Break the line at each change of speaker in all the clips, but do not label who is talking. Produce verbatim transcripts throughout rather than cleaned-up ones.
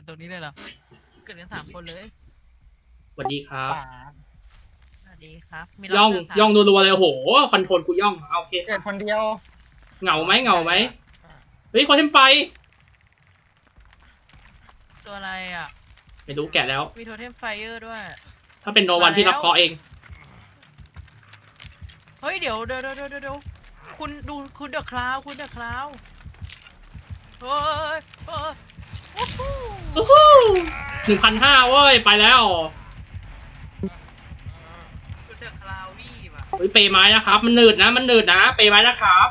ตรงนี้เลยเหรอเกิดกันสามคนเลย
สวัสดีครับ
ป่า
สวัสดีครับมี
ย่อง
รถเดินทาง
ย่องรัวๆเลยโอ้โหคอนโทรลกูย่องเอาโอเค
เกิดคนเดียว
เหงาไหมเหงาไหมเฮ้ยคอนเทมไฟ
ตัวอะไรอ่ะ
ไม่รู้แกะแล้ว
มีโทเทมไฟเออร์ด้วย
ถ้าเป็นโนวันพี่รับเคราะห์เอง
เฮ้ยเดี๋ยวเดี๋ยวเดี๋ยวเดี๋ยวเดี๋ยวคุณดูคุณเดอะคลาวคุณเดอะคลาวเฮ้ยเฮ้ยโอ้โห
อู้หูหนึ่งพันห้าเว้ยไปแล้ว
คุณเดอะคลาววี่ว่ะ
เฮ้ยเปย์ไม้นะครับมันหนืดนะมันหนืดนะเปย์ไม้นะครับ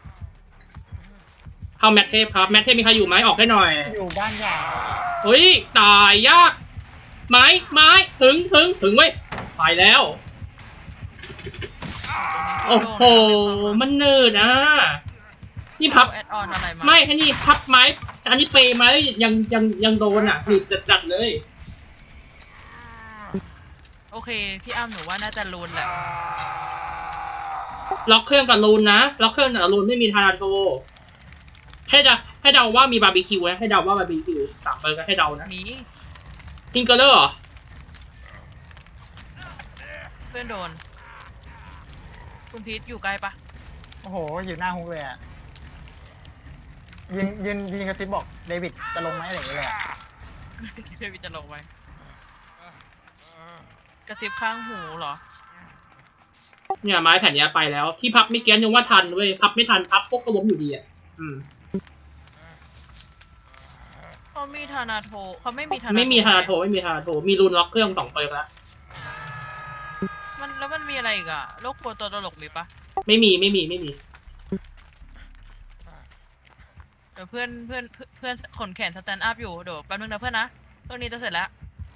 เข้าแมทเทพครับแมทเทพมีใครอยู่ไหมออกให้หน่อย
อยู่บ้านใหญ่
เฮ้ยตายยากไม้ไม้ถึงถึงถึงเว้ยไปแล้วโอ้โหมันหนืดนะนี่พับ
แอดออนอะไรมา
ไม่อันนี้พับไม้อันนี้เปย์ไม้ยังยังยังโดนอ่ะหนืดจัดๆเลย
โอเคพี่อ้ำหนูว่าน่าจะลูนแหละ
ล็อกเครื่องกับลูนนะล็อกเครื่องกับลูนไม่มีทาราโตให้เดาให้เดาว่ามีบาร์บีคิวนะให้เดาว่าบาร์บีคิวสามเบอร์ก็ให้เดานะ
มี
ทิงเกอร์เลอร์เหรอ
เพื่อนโดน คุณพีทอยู่ใกล้ปะ
โอ้โหอยู่หน้าฮุกเลยอ่ะยินยินยินกระซิบบอกเดวิดจะลงไหมอะไรอย่างเงี้ยเลยอะ
เทวิจะลงไหมกระซิบข้างหูเหรอ
เนี่ยไม้แผ่นนี้ไปแล้วที่พับไม่เกี้ยนยังว่าทันเว้ยพับไม่ทันพับพวกก็ล้มอยู่ดีอ่ะอืม
เขามีธนาโทเขาไม่มีธนา
ไม่มีทาราโทไม่มีทาราโทมีลูนล็อกเครื่องสองเปิร์กแล้ว
มันแล้วมันมีอะไรอีกอะโรคกลัวตัวตลกมีปะ
ไม่มีไม่มีไม่มี
เดี๋ยวเพื่อนเพื่อนเพื่อนเพื่อนขนแขนสแตนด์อัพอยู่เดี๋ยวแป๊บนึงนะเพื่อนนะตัวนี้จะเสร็จแล้ว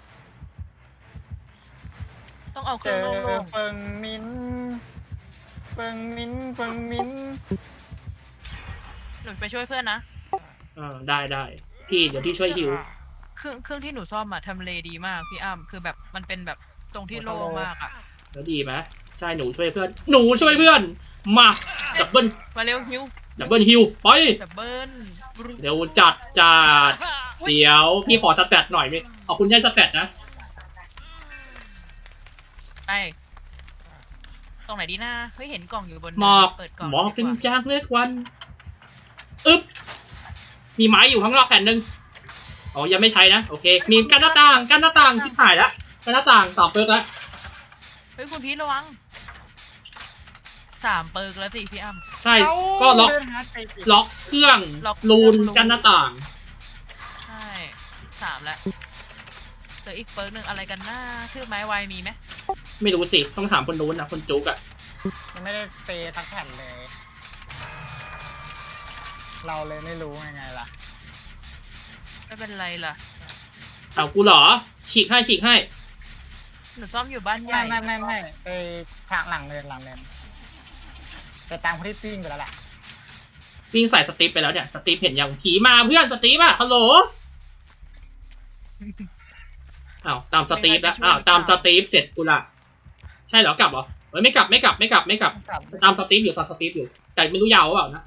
ต้องเอาเค
เจ
รื่อง
อ
โล่ง
เฟิงมินเฟิงมินเฟิงมิน
ๆหนูไปช่วยเพื่อนนะ
อ่าได้ได้พี่เดี๋ยวพี่ช่วยฮิว
เครื่องเครื่องที่หนูซ่อมอะทำเลดีมากพี่อ้ำคือแบบมันเป็นแบบตรงที่โล่งมากอะ
แล้วดีไหมใช่หนูช่วยเพื่อนหนูช่วยเพื่อนมาดับเบิล
มาเร็วฮิว
ดับเบิลฮิวไป
ดับเบิ้ล
เดี๋ยวจัดจัดเดี๋ยวพี่ขอสแตทหน่อยไหมขอบคุณที่ให้สแตทนะ
ไปตรงไหนดีนะเฮ้ยเห็นกล่องอยู่บน
หมอก
เปิดกล่อง
หมอก
ดี
เป็น
ว่า
จากเลือดควันอึ๊บมีไม้อยู่ข้างนอกแผ่นหนึ่งอ๋อยังไม่ใช้นะโอเคมีกั้นหน้าต่างกั้นหน้าต่างชิบหายแล้วกั้นหน้าต่างสอบเปิร์กแล้ว
เฮ้ยคุณพีทระวังสามเปิร์กแล้วสิพี่อ้ำ
ใช่ก็ล็อก
เดินหาไปสิ
ล็อกเครื่อง
ล็อก
ลูน
เครื่อง
กั้นหน้าต่าง
ใช่สามแล้วเหลืออีกเปิร์กหนึ่งอะไรกันหน้าชื่อไม้ไวมีไหม
ไม่รู้สิต้องถามคนนู้นนะคนจุกอะ
ยังไม่ได้เปย์ทักแผ่นเลย เราเลยไม่รู้ยังไงล่ะ
ไม่เป็นไรล่ะ
เอากูเหรอฉีกให้ฉีกให้
หนูซ่อมอยู่บ้านให
ไม่
ญ่
ไม่ไม่ไม่ไปทางหลังเนินหลังเนินแต่ตามคนที่วิ่งไปแล้วแหละ
วิ่งใส่สตีฟไปแล้วเนี่ยสตีฟเห็นยังผีมาเพื่อนสตีฟอะฮัลโหลอ้าวตามสตีฟแล้วอ้าวตามสตีฟเสร็จกูละใช่เหรอกลับเหรอเฮ้ยไม่กลับไม่กลับไม่กลับไม่กลับ
กลับ
ตามสตีฟอยู่ตามสตีฟอยู่แต่ไม่รู้ยาวหรือเปล่านะ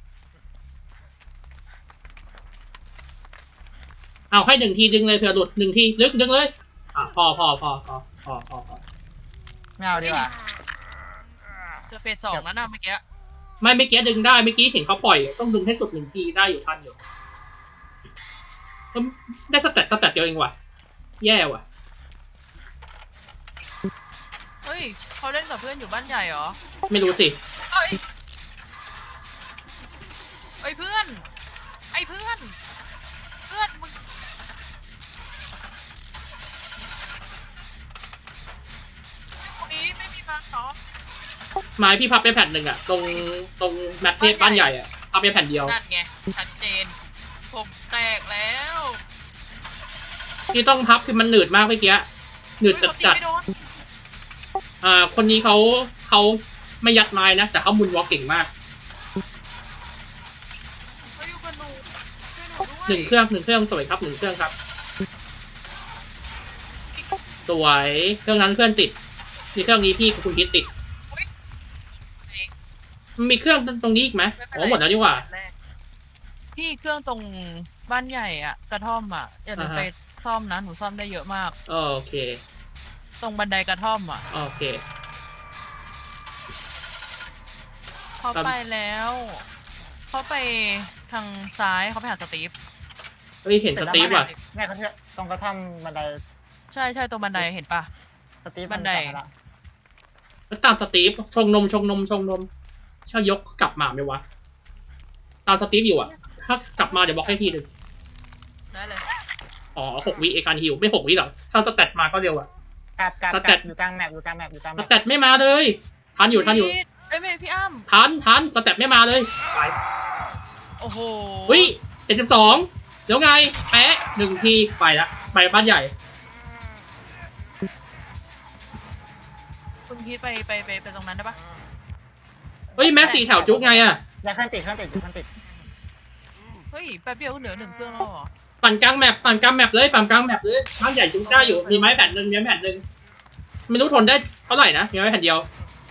เอาให้หนึ่งทีดึงเลยเผื่อหลุดหนึ่งทีดึงดึงเลยอ่ะพอพอพอพอพอพอพอ
ไม่เอาดีกว่า
เจอเฟสสองแล้วนะเมื่อกี้
ไม่เมื่อกี้ดึงได้เมื่อกี้เห็นเขาปล่อยต้องดึงให้สุดหนึ่งทีได้อยู่ทันอยู่ก็ได้สเตตสเตตเดียวเองว่ะแย่ว่ะ
เฮ้ยเขาเล่นกับเพื่อนอยู่บ้านใหญ่เหรอ
ไม่รู้สิ
เอ้ยเอ้ยเพื่อน ไอ้เพื่อน เพื่อนมึงคนนี้ไม่มีมาซ้อม
ไม้พี่พับไปแผ่นหนึ่งอะตรงตรงแมทเทปบ้านใหญ่อะพับไปแผ่นเดียว
นั่นไงชัดเจน ผมแตกแล้ว
ที่ต้องพับคือมันหนืดมากเมื่อกี้หนืดจัดจัด
เฮ้ยเขาตีไม่โดน
อ่าคนนี้เขาเขาไม่ยัดไม้นะแต่เขามุนวอล์กเก่งมาก
เขาอยู่กับหนูช่วยหนูด้วย
หนึ่งเครื่องหนึ่งเครื่องสวยครับหนึ่งเครื่องครับสวยเครื่องนั้นเพื่อนติดมีเครื่องนี้พี่คุณคิดติด
อุ๊ย
มันมีเครื่องตรงนี้อีกไหม
ไม่เป็น
อ๋
ไร
อหมดแล้วดีกว่า
แรกพี่เครื่องตรงบ้านใหญ่อ่ะ กระท่อมอ่ะอย่าลืม
อ่าฮะ
ไปซ่อมนะหนูซ่อมได้เยอะมาก
โอเค
ตรงบันไดกระท่อมอ่ะ
โอเค
เขา
ครับ
ไปแล้วเขาไปทางซ้ายเขาไปหาสตีฟ
เฮ้ยเห็นสตีฟว่ะ
แม่เขาเชื่อตรงกระท่อมบันได
ใช่ใช่ตรงบันไดเห็นปะ
สตีฟ
บันได
จัละ
แล้วตามสตีฟชงนมชงนมชงนมชายกกลับมาไหมวะตามสตีฟอยู่อ่ะ ถ้ากลับมาเดี๋ยวบอกให้ทีหนึ่ง
ได้เลย
อ๋อหกวิเอการฮิวไม่หกวิหรอกถ้าสแตทมาก็เร็วอ่ะ
กลับกลับ
ส
ก
แต
ลั
ท
บอยู่กลางแมปอยู่กลางแมปอยู่กลางแม
ส
ป
แตทไม่มาเลยทันอยู่ทันอยู่
พี่เอ้ยไม่พี่อ้ำ
ทันทันสแตทไม่มาเลยไป
โอ้โห
วิเจ็ดสิบสองแล้วไงแปะหนึ่งทีไปละไปบ้านใหญ่
คุณพีทไปไปไปไปตรงนั้นได้ปะ
เฮ้ยแม็กสี่แถวจุกไงอ่ะ
อย่าเครื่องติดเครื่องติดเครื่องติด
เฮ้ยแป๊บเดียวก็เหลือหนึ่งเครื่องแล้วเหรอ
ปั่นกลางแมปปั่นกลางแมปเลยปั่นกลางแมปเลยบ้านใหญ่จุกได้อยู่มีไม้แผ่นหนึ่งมีไม้แผ่นหนึ่งไม่รู้ทนได้เท่าไหร่นะมีไม้แผ่นเดียว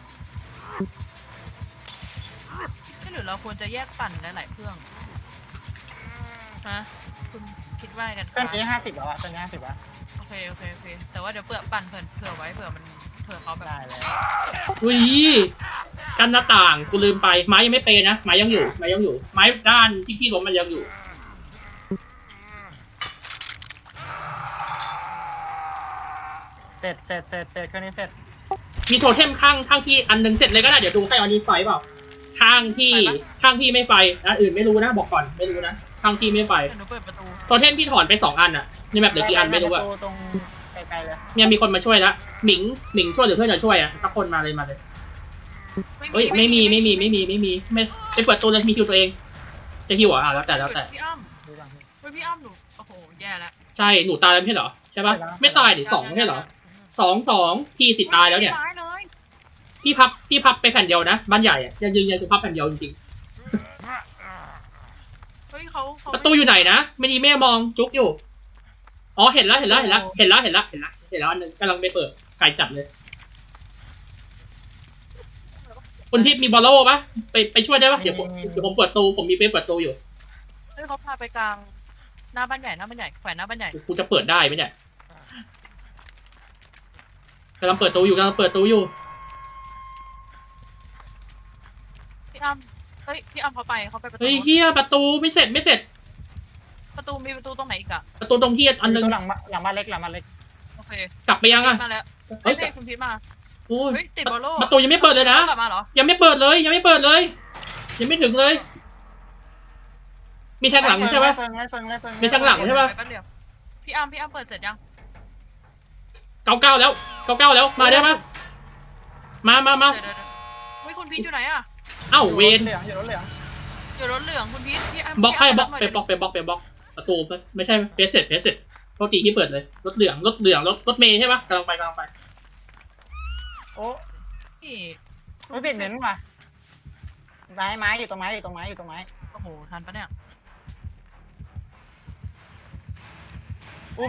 ไม่หรือเราควรจะแยกปั่นหลายๆเครื่องฮะคุณคิดว่าไงกัน
เครื่อง
คะ
นี้ห้าสิบแล้วอะเครื่องนี้ห้าสิบแล้ว
โอเคโอเคโอเคแต่ว่าเดี๋ยวเผื่อปั่นเผื่อเผื่อไว้เผื่อมันเผื่อเขาแบบ
ได้เลย
อุ้ยกันหน้าต่างกูลืมไปไม้ยังไม่เปย์นะไม้ยังอยู่ไม้ยังอยู่ ไม้ด้านที่พี่ล้มมันยังอยู่
เสร็จเสร็จเสร็จเสร็จเครื่องนี้เสร็จ
มีโทเทมข้างข้างพี่อันหนึงเสร็จเลยก็ได้เดี๋ยวดูให้อันนี้ไฟเปล่าข้างพี่ข้างพี่ไม่ไฟอันอื่นไม่รู้นะบอกก่อนไม่รู้นะข้างพี่ไม่ไฟ
เดี๋ยวหนูเปิดประตู
โทเทมพี่ถอนไปสองอันอะนี่แบบเหลือกี่อันไม่รู้อะ
ปปตรงไกลๆเลย
เนี่ยมีคนมาช่วยแล้วหมิงหมิงช่วยหรือเพื่อนจะช่วยอะสักคนมาเลยมาเลยเฮ้ยไม่มีไม่มีไม่มีไม่มีไม่ไปเปิดตัวเลยมีคิวตัวเองจะฮิวเหรออ่ะแล้วแต่แล้วแต่
พี่อ้ำ
ดูก่อนพี่
เฮ้ยพี่อ้ำหนูโอ้โหแย่แล้ว
ใช่หนูตายแล้วไม่ใช่เหรอใช่ปะไม่ตายดิสองไม่ใช่เหรอสองสองพี่สิตายแล้วเนี่ย
ไม่ร้ายเลย
พี่พับพี่พับไปแผ่นเดียวนะบ้านใหญ่อะยังยืนยันคือพับแผ่นเดียวจริง
เฮ้ยเขาเขา
ๆประตูอยู่ไหนนะไม่ดีแม่มองจุกอยู่อ๋อเห็นแล้วเห็นแล้วเห็นแล้วเห็นแล้วเห็นแล้วเห็นแล้วเห็นแล้วอันนึงกำลังไปเปิดไก่จับเลยคุณทิพย์มีบอลโล่ปะไปไปช่วยได้ปะเดี๋ยวผมเดี๋ยวผมเปิดตูผมมีไปเปิดตูอยู่
เฮ้ยเขาพาไปกลางหน้าบ้านใหญ่หน้าบ้านใหญ่แขวนหน้าบ้านใหญ่
กูจะเปิดได้ไหมเนี่ยกำลังเปิดตูอยู่กำลังเปิดตูอยู่
พี่อ้ำเฮ้ยพี่อ้ำเขาไปเขาไปประตู
เฮ้ยเฮียประตูไม่เสร็จไม่เสร็จ
ประตูมีประตูตรงไหนอีกอะ
ประตูตรงที่อันนึง
ตัวหลังมาหลังมาเล็กหลังมาเล็ก
โอเค
กลับไปยังอะ
มาแล้ว
เฮ้
เฮ้
ย
ยคุณพีทมา
โอ้ย
เฮ้ยติดบอลโล่
ประตูยังไม่เปิดเลยนะ
กลับมาเหรอ
ยังไม่เปิดเลยยังไม่เปิดเลย ยังไม่ถึงเลย มีแทงหลังใช่ปะ
ไล่เฟิงไล่เฟิงไล่เฟิง
มีทางหลัง ใช่ปะ
ไปแป๊บเดียวพี่อ้ำพี่อ้ำเปิดเสร็จยัง
เก้าเก้าแล้วเก้าเก้าแล้วมาได้ปะมามามา
เดี๋ยวเดี๋ยวเดี๋ยวเฮ้ยคุณพีทอยู่ไหนอะ
เอ้าเวน
เหลืองอยู่รถเหลือง
อยู่รถเหลืองคุณพีทพี่อ้ำ
บล็อกให้บล็อก
พี่
ไป
อ้ำ
บล็อกไปบล็อกไปบล็อกประตูไม่ใช่เพสเสร็จเพสเสร็จโทษทีที่เปิดเลยรถเหลืองรถเหลืองรถรถเมย์ใช่ปะกำลังไปกำลังไป
โอ้
พี่
ไม่เปลี่ยนเหม็นว่ะไม้ไม้อยู่ตรงไม้อยู่ตรงไม้อยู่ตรงไม้
โอ้โหทันปะเนี่ย
อุ้ม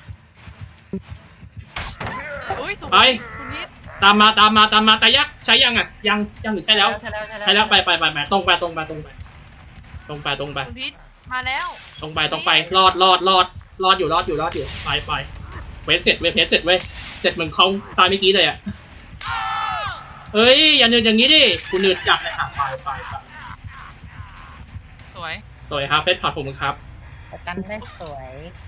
อุ้ยสูง
ไป
คุณพีท
ตามมาตามมาตามมาแต่ยักษ์ใช้ยังอ่ะยังยังหรือใช่แล้ว
ใช่แล้วใช่แล้ว
ใช่แล้วไปไปไปไปตรงไปตรงไปตรงไปตรงไปตรงไป
คุณพีทมาแล้ว
ตรงไปตรงไปรอดรอดรอดรอดอยู่รอดอยู่รอดอยู่ไปไปเวสเสร็จเวสเสร็จเว้ยเสร็จเหมือนเขาตายเมื่อกี้เลยอ่ะเอ้ยอย่าเนืดอย่างนี้ดิกูเนืดจับเลยค่ะไปไปไป
สวย
สวยครับเพชรผัดผมครับ
ประกันได้สวย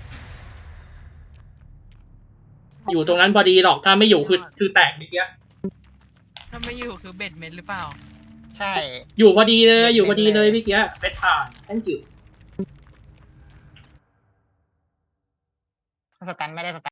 อยู่ตรงนั้นพอดีหรอกถ้าไม่อยู่คือคือแตกเมื่อกี้
ถ้าไม่อยู่คือเบ็ดเม็ดหรือเปล่า
ใช่
อยู่พอดีเลยอยู่พอดีเลยเมื่อกี้เพชรผ่าน thank you
สตันไม่ได้สตัน